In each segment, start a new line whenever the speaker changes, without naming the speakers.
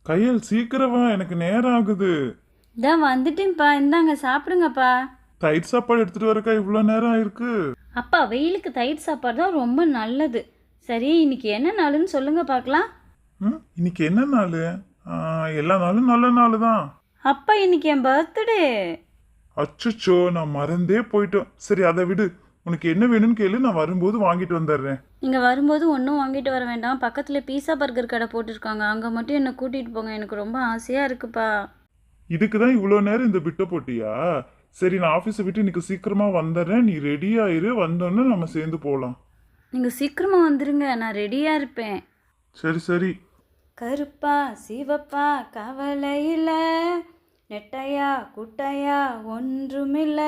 கையல் சீக்கிரமா, எனக்கு நேரம் ஆகுது.
இதான் வந்துட்டேன்ப்பா, இந்தாங்க சாப்பிடுங்கப்பா.
தயிர் சாப்பாடு எடுத்துட்டு வரக்கா இவ்வளோ நேரம் ஆயிருக்கு.
அப்பா வெயிலுக்கு தயிர் சாப்பாடு தான் ரொம்ப நல்லது. சரி, இன்னைக்கு என்ன நாளுன்னு சொல்லுங்க பார்க்கலாம்.
இன்னைக்கு என்ன நாள்? எல்லா நாளும் நல்ல நாள் தான்.
அப்பா இன்னைக்கு என் பர்த்டே.
அச்சச்சோ, நான் மறந்தே போயிட்டோம். சரி அதை விடு. உனக்கு என்ன வேணும்னு கேளு, நான் வரும்போது வாங்கிட்டு வந்துடுறேன்.
நீங்கள் வரும்போது ஒன்றும் வாங்கிட்டு வர வேண்டாம், பக்கத்தில் பீஸா பர்கர் கடை போட்டிருக்காங்க, அங்கே மட்டும் என்னை கூட்டிகிட்டு போங்க, எனக்கு ரொம்ப ஆசையாக இருக்குப்பா.
இதுக்கு தான் இவ்வளோ நேரம் இந்த பிட்ட போட்டியா? சரி, நான் ஆஃபீஸை விட்டு இன்னைக்கு சீக்கிரமா வந்துடுறேன். நீ ரெடி ஆயிரு, வந்தோன்னே நம்ம சேர்ந்து போகலாம்.
நீங்கள் சீக்கிரமாக வந்துடுங்க, நான் ரெடியாக இருப்பேன்.
சரி சரி.
கருப்பா சிவப்பா கவலையில, நெட்டையா குட்டையா ஒன்றுமில்ல.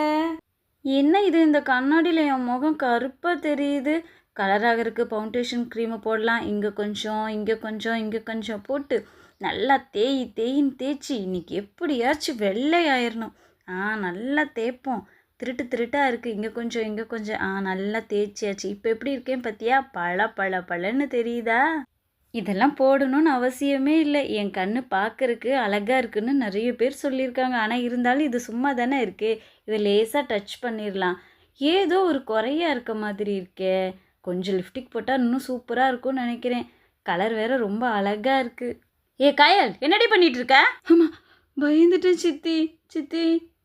என்ன இது, இந்த கண்ணாடியில் என் முகம் கருப்பாக தெரியுது. கலராக இருக்குது, ஃபவுண்டேஷன் க்ரீமை போடலாம். இங்கே கொஞ்சம் இங்கே கொஞ்சம் இங்கே கொஞ்சம் போட்டு நல்லா தேயின்னு தேய்ச்சி இன்னைக்கு எப்படியாச்சும் வெள்ளை ஆயிடணும். நல்லா தேய்ப்போம். திருட்டாக இருக்குது, இங்கே கொஞ்சம் இங்கே கொஞ்சம். நல்லா தேய்ச்சியாச்சு. இப்போ எப்படி இருக்கேன் பார்த்தியா? பழன்னு தெரியுதா? இதெல்லாம் போடணும்னு அவசியமே இல்லை. என் கண்ணு பார்க்கறக்கு அழகாக இருக்குன்னு நிறைய பேர் சொல்லியிருக்காங்க. ஆனால் இருந்தாலும் இது சும்மா தானே இருக்கே, இதை லேசாக டச் பண்ணிடலாம். ஏதோ ஒரு குறையாக இருக்க மாதிரி இருக்கே. கொஞ்சம் லிப்டிக் போட்டால் இன்னும் சூப்பராக இருக்கும்னு நினைக்கிறேன். கலர் வேற ரொம்ப அழகாக இருக்குது. ஏ கயல், என்னடி பண்ணிட்டு இருக்க? ஆமாம், பயந்துட்டேன் சித்தி.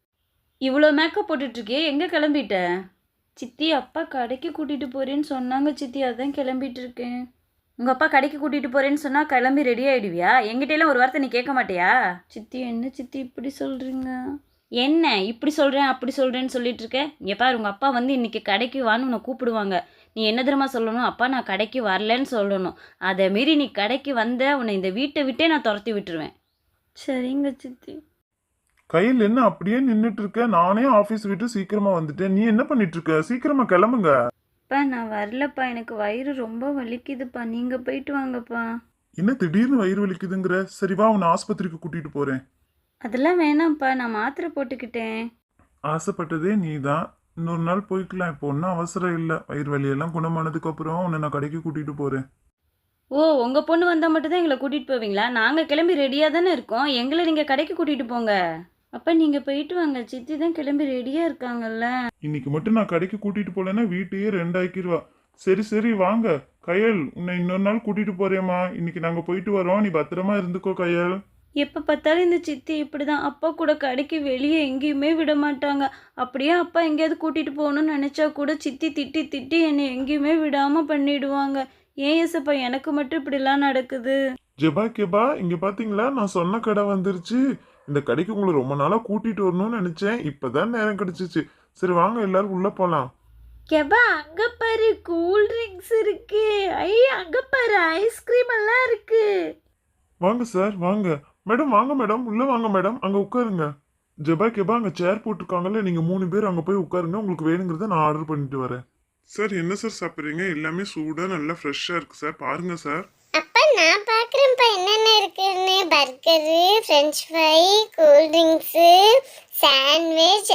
இவ்வளோ மேக்கப் போட்டுட்ருக்கே, எங்கே கிளம்பிட்ட? சித்தி, அப்பா கடைக்கு கூட்டிகிட்டு போகிறேன்னு சொன்னாங்க சித்தி, அதான் கிளம்பிட்டு இருக்கேன். உங்கள் அப்பா கடைக்கு கூட்டிகிட்டு போகிறேன்னு சொன்னால் கிளம்பி ரெடி ஆகிடுவியா? எங்கிட்டெல்லாம் ஒரு வார்த்தை நீ கேட்க மாட்டியா? சித்தி, என்ன சித்தி இப்படி சொல்கிறீங்க? என்ன இப்படி சொல்கிறேன் அப்படி சொல்கிறேன்னு சொல்லிட்டு இருக்க? இங்கே பாரு, உங்கள் அப்பா வந்து இன்றைக்கி கடைக்கு வான்னு உன்னை கூப்பிடுவாங்க. நீ என்ன தெரியுமா சொல்லணும்? அப்பா நான் கடைக்கு வரலன்னு சொல்லணும். அதை மீறி நீ கடைக்கு வந்த உன்னை இந்த வீட்டை விட்டே நான் துரத்தி விட்டுருவேன். சரிங்க சித்தி.
கையில் என்ன அப்படியே நின்றுட்டு இருக்க? நானே ஆஃபீஸ் விட்டு சீக்கிரமா வந்துட்டேன். நீ என்ன பண்ணிட்டு இருக்க? சீக்கிரமா கிளம்புங்க.
அப்பா நான் வரலப்பா, எனக்கு வயிறு ரொம்ப வலிக்குதுப்பா, நீங்கள் போயிட்டு வாங்கப்பா.
என்ன திடீர்னு வயிறு வலிக்குதுங்கிற? சரி வா, உன்னை ஆஸ்பத்திரிக்கு கூட்டிட்டு போறேன்.
அதெல்லாம் வேணாம்ப்பா, நான் மாத்திரை போட்டுக்கிட்டேன்.
ஆசைப்பட்டதே நீ தான். இன்னொரு நாள் போய்க்கலாம், இப்போ ஒன்றும் அவசரம் இல்லை. வயிறு வலியெல்லாம் குணமானதுக்கு அப்புறம் உன்னை நான் கடைக்கு கூட்டிட்டு போறேன்.
ஓ, உங்கள் பொண்ணு வந்தால் மட்டும்தான் எங்களை கூட்டிகிட்டு போவீங்களா? நாங்கள் கிளம்பி ரெடியாக தானே இருக்கோம், எங்களை நீங்கள் கடைக்கு கூட்டிகிட்டு போங்க. அப்போ நீங்கள் போயிட்டு வாங்க, சித்தி தான் கிளம்பி ரெடியாக இருக்காங்கல்ல.
இன்னைக்கு மட்டும் நான் கடைக்கு கூட்டிட்டு போலேன்னா வீட்டையே ரெண்டாக்கிடுவா. சரி வாங்க. கையல், உன்னை இன்னொரு நாள் கூட்டிட்டு போறேம்மா. இன்னைக்கு நாங்க போயிட்டு வரோம், நீ பத்திரமா இருந்துக்கோ கையல்.
எப்போ பார்த்தாலும் இந்த சித்தி இப்படி தான். அப்பா கூட கடைக்கு வெளியே எங்கேயுமே விட மாட்டாங்க. அப்படியே அப்பா எங்கேயாவது கூட்டிகிட்டு போகணும்னு நினச்சா கூட சித்தி திட்டி என்னை எங்கேயுமே விடாமல் பண்ணிடுவாங்க. ஏன் ஏசப்பா எனக்கு மட்டும் இப்படிலாம் நடக்குது?
ஜெபா கேபா, இங்க பாத்தீங்களா, நான் சொன்ன கடை வந்துருச்சு. இந்த கடைக்கு உங்களை ரொம்ப நாளா கூட்டிட்டு வரணும்னு நினைச்சேன். இப்பதான் நேரம் கிடைச்சிச்சு. சரி வாங்க, எல்லாரும் உள்ள போலாம்.
கெபா, அங்க பாரு கூல் ட்ரிங்க்ஸ் இருக்கு. அங்க பாரு ஐஸ்கிரீம் எல்லாம் இருக்கு.
வாங்க சார், வாங்க. மேடம் வாங்க மேடம், உள்ள வாங்க மேடம், அங்க உட்காருங்க. ஜெபா கேபா, அங்க சேர் போட்டிருக்காங்கல்ல, நீங்க 3 பேர் அங்க போய் உட்காருங்க. உங்களுக்கு வேணுங்கிறத நான் ஆர்டர் பண்ணிட்டு வரேன். சார் என்ன சார் சாப்பிட்றீங்க? எல்லாமே சூடா நல்லா ஃப்ரெஷ்ஷா இருக்கு சார், பாருங்க சார்.
அப்பா நான் பார்க்குறேன்ப்பா என்னென்ன இருக்குன்னு. Burger, French fry, cool drinks, sandwich,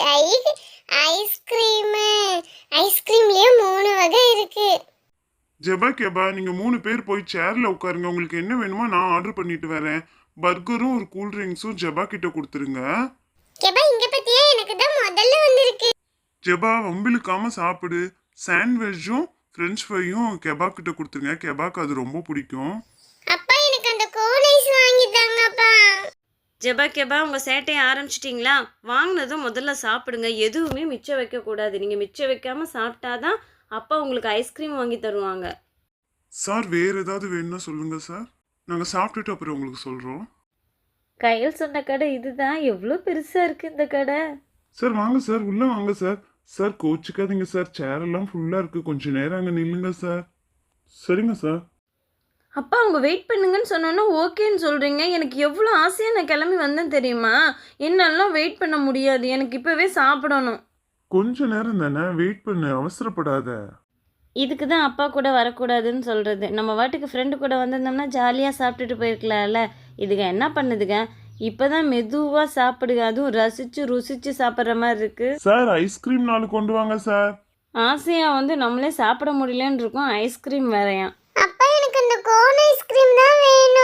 ice cream. ஐஸ்கிரீம்லேயே 3 வகை இருக்கு.
ஜெபா கேபா, நீங்க 3 பேர் போய் சேர்ல உட்காருங்க. உங்களுக்கு என்ன வேணுமோ நான் ஆர்டர் பண்ணிட்டு வரேன். பர்கரும் ஒரு கூல் ட்ரிங்க்ஸும் ஜெபா கிட்ட கொடுத்துருங்க.
கேப்பா இங்க பத்தியா, எனக்கு தான் முதல்ல வந்திருக்கு.
ஜெபா வம்பிழுக்காம சாப்பிடு. சாண்ட்விச்சும் ஃப்ரெஞ்ச் ஃப்ரையும் கெபா கிட்ட கொடுத்துருங்க. கெபாக்கு அது ரொம்ப பிடிக்கும்.
அப்பா எனக்கு அந்த கோன் ஐஸ் வாங்கி தாங்கப்பா.
ஜெபா கெபா, உங்கள் சேட்டையை ஆரம்பிச்சிட்டிங்களா? வாங்கினதும் முதல்ல சாப்பிடுங்க, எதுவுமே மிச்சம் வைக்கக்கூடாது. நீங்கள் மிச்சம் வைக்காமல் சாப்பிட்டாதான் அப்பா உங்களுக்கு ஐஸ்கிரீம் வாங்கி தருவாங்க.
சார் வேற ஏதாவது வேணும்னா சொல்லுங்க சார், நாங்கள் சாப்பிட்டுட்டு அப்புறம் உங்களுக்கு சொல்கிறோம்.
கையில் சொன்ன கடை இதுதான். எவ்வளோ பெருசாக இருக்குது இந்த கடை.
சார் வாங்க சார், உள்ள வாங்க சார். சார் கோச்சிக்காதீங்க சார், சேர் எல்லாம் ஃபுல்லாக இருக்குது, கொஞ்சம் நேரம் அங்கே நில்லுங்க சார். சரிங்க சார்.
அப்பா அவங்க வெயிட் பண்ணுங்கன்னு சொன்னோன்னா ஓகேன்னு சொல்கிறீங்க. எனக்கு எவ்வளோ ஆசையாக நான் கிளம்பி வந்தேன் தெரியுமா? என்னாலாம் வெயிட் பண்ண முடியாது, எனக்கு இப்போவே சாப்பிடணும்.
கொஞ்ச நேரம் தானே, வெயிட் பண்ணு, அவசரப்படாத.
இதுக்கு தான் அப்பா கூட வரக்கூடாதுன்னு சொல்கிறது. நம்ம வாட்டுக்கு ஃப்ரெண்டு கூட வந்திருந்தோம்னா ஜாலியாக சாப்பிட்டுட்டு போயிருக்கலாம்ல. இதுங்க என்ன பண்ணுதுங்க, இப்போ தான் மெதுவாக சாப்பிடுங்க, அதுவும் ருசிச்சு சாப்பிட்ற மாதிரி இருக்குது.
சார் ஐஸ்கிரீம் 4 கொண்டு வாங்க சார்.
ஆசையாக வந்து நம்மளே சாப்பிட முடியலன்னு இருக்கோம், ஐஸ்கிரீம் வேறையாம்.
அப்பா எனக்கு அந்த கோன் ஐஸ்கிரீம் தான் வேணும்.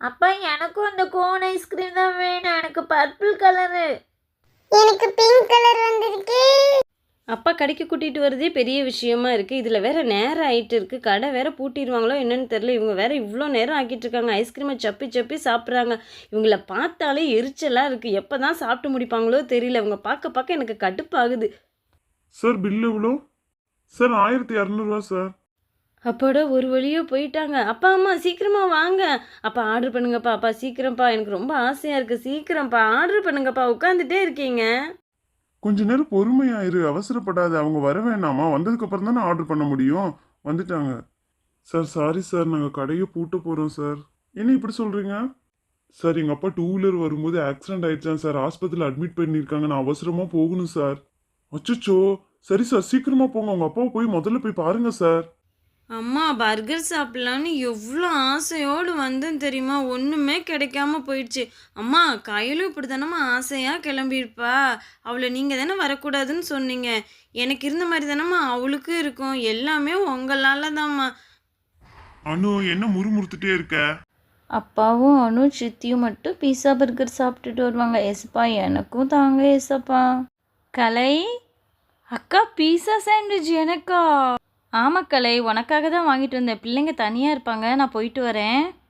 அப்பா எனக்கும் அந்த கோன் ஐஸ்கிரீம் தான் வேணும், எனக்கு பர்பிள் கலரு.
எனக்கு பிங்க் கலர் வந்திருக்கு.
அப்பா கடைக்கு கூட்டிகிட்டு வரதே பெரிய விஷயமா இருக்குது, இதில் வேற நேரம் ஆகிட்டு இருக்கு, கடை வேற பூட்டிடுவாங்களோ என்னன்னு தெரில. இவங்க வேற இவ்வளோ நேரம் ஆக்கிட்டு இருக்காங்க, ஐஸ்கிரீமை சப்பி சப்பி சாப்பிட்றாங்க. இவங்கள பார்த்தாலே எரிச்சலாக இருக்குது, எப்போ தான் சாப்பிட்டு முடிப்பாங்களோ தெரியல. இவங்க பார்க்க பார்க்க எனக்கு கடுப்பாகுது.
சார் பில் எவ்வளோ? Sir 1200 sir.
அப்போட ஒரு வழியாக போயிட்டாங்க. அப்பா அம்மா சீக்கிரமா வாங்க, அப்பா ஆர்டர் பண்ணுங்கப்பா, அப்பா சீக்கிரம்ப்பா, எனக்கு ரொம்ப ஆசையாக இருக்குது, சீக்கிரம்ப்பா ஆர்டர் பண்ணுங்கப்பா, உட்காந்துட்டே இருக்கீங்க.
கொஞ்ச நேரம் பொறுமையாயிரு, அவசரப்படாத. அவங்க வர வேணாமா? வந்ததுக்கு அப்புறம் தானே ஆர்டர் பண்ண முடியும். வந்துட்டாங்க. சார் சாரி சார், நாங்கள் கடையை பூட்ட போகிறோம் சார். என்ன இப்படி சொல்கிறீங்க? சார் எங்கள் அப்பா 2 வீலர் வரும்போது ஆக்சிடென்ட் ஆயிடுச்சான் சார், ஹாஸ்பிட்டலில் அட்மிட் பண்ணியிருக்காங்க, நான் அவசரமாக போகணும் சார். அச்சச்சோ, சரி சார் சீக்கிரமாக போங்க, உங்கள் அப்பாவை போய் முதல்ல போய் பாருங்க சார்.
அம்மா பர்கர் சாப்பிட்லான்னு எவ்வளோ ஆசையோடு வந்தேன் தெரியுமா, ஒன்றுமே கிடைக்காம போயிடுச்சு. அம்மா கையிலும் இப்படி தானம்மா ஆசையாக கிளம்பியிருப்பா, அவளை நீங்கள் தானே வரக்கூடாதுன்னு சொன்னீங்க, எனக்கு இருந்த மாதிரி தானம்மா அவளுக்கும் இருக்கும், எல்லாமே உங்களால தான்மா.
அனு என்ன முறுமுறுத்துட்டே இருக்க?
அப்பாவும் அனு சித்தியும் மட்டும் பீஸா பர்கர் சாப்பிட்டுட்டு வருவாங்க. ஏசப்பா எனக்கும் தாங்க ஏசப்பா. கலை அக்கா, பீஸா சாண்ட்விச் எனக்கா? ஆமாம் கலை, உனக்காக தான் வாங்கிட்டு வந்தேன், பிள்ளைங்க தனியாக இருப்பாங்க, நான் போயிட்டு வரேன்.